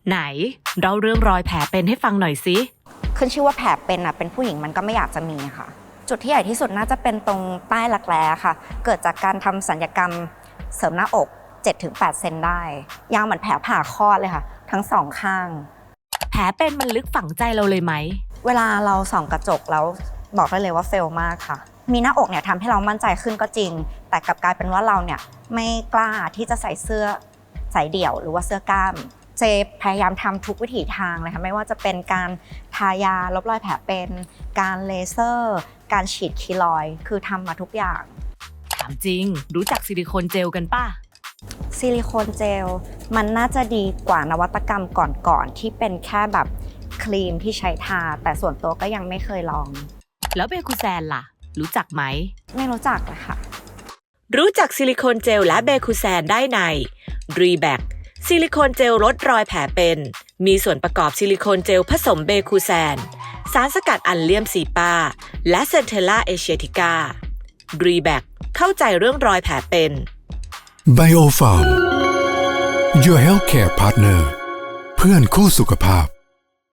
ไหนเล่าเรื่องรอยแผลเป็นให้ฟังหน่อยสิขึ้นชื่อว่าแผลเป็นผู้หญิงมันก็ไม่อยากจะมีค่ะจุดที่ใหญ่ที่สุดน่าจะเป็นตรงใต้รักแร้ค่ะเกิดจากการทำศัลยกรรมเสริมหน้าอก 7-8 เซนได้ยาวเหมือนแผลผ่าคลอดเลยค่ะทั้งสองข้างแผลเป็นมันลึกฝังใจเราเลยไหมเวลาเราส่องกระจกแล้วบอกได้เลยว่าเฟลมากค่ะมีหน้าอกเนี่ยทำให้เรามั่นใจขึ้นก็จริงแต่กลับกลายเป็นว่าเราเนี่ยไม่กล้าที่จะใส่เสื้อสายเดี่ยวหรือว่าเสื้อกล้ามเจพยายามทำทุกวิถีทางเลยค่ะไม่ว่าจะเป็นการทายาลบรอยแผลเป็นการเลเซอร์การฉีดคีลอยด์คือทำมาทุกอย่างถามจริงรู้จักซิลิโคนเจลกันป่ะซิลิโคนเจลมันน่าจะดีกว่านวัตกรรมก่อนๆที่เป็นแค่แบบครีมที่ใช้ทาแต่ส่วนตัวก็ยังไม่เคยลองแล้วเบคูแซนล่ะรู้จักไหมไม่รู้จักเลยค่ะรู้จักซิลิโคนเจลและเบคูแซนได้ในรีแบคซิลิโคนเจลลดรอยแผลเป็นมีส่วนประกอบซิลิโคนเจลผสมเบคูแซนสารสกัดอัลเลียมซีปาและเซนเทลล่าเอเชียติการีแบคเข้าใจเรื่องรอยแผลเป็น Biofarm Your Healthcare Partner เพื่อนคู่สุขภาพ